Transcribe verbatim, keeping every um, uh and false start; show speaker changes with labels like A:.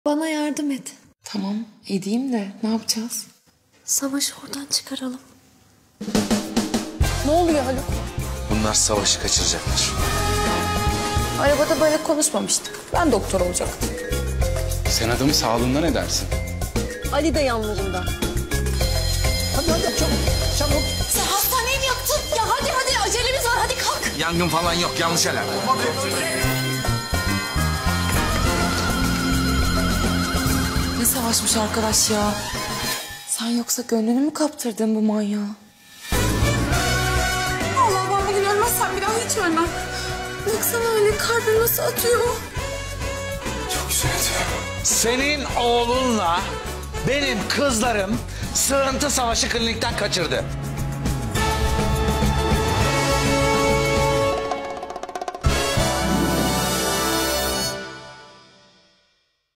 A: Bana yardım et.
B: Tamam edeyim de ne yapacağız?
A: Savaşı oradan çıkaralım.
B: Ne oluyor Haluk?
C: Bunlar Savaş'ı kaçıracaklar.
B: Arabada böyle konuşmamıştık. Ben doktor olacaktım.
D: Sen adamın sağlığından ne dersin?
B: Ali de yanlarında.
E: Hadi hadi çabuk çabuk.
A: Sen hastaneyi mi yaktın? Ya hadi hadi acelemiz var hadi kalk.
C: Yangın falan yok, yanlış alarm.
B: Ne savaşmış arkadaş ya? Sen yoksa gönlünü mü kaptırdın bu manyağa?
A: Allah ben bugün ölmezsem bir daha hiç ölmem. Baksana öyle kalbim nasıl atıyor.
C: Çok güzel.
F: Senin oğlunla benim kızlarım sığıntı Savaş'ı klinikten kaçırdı.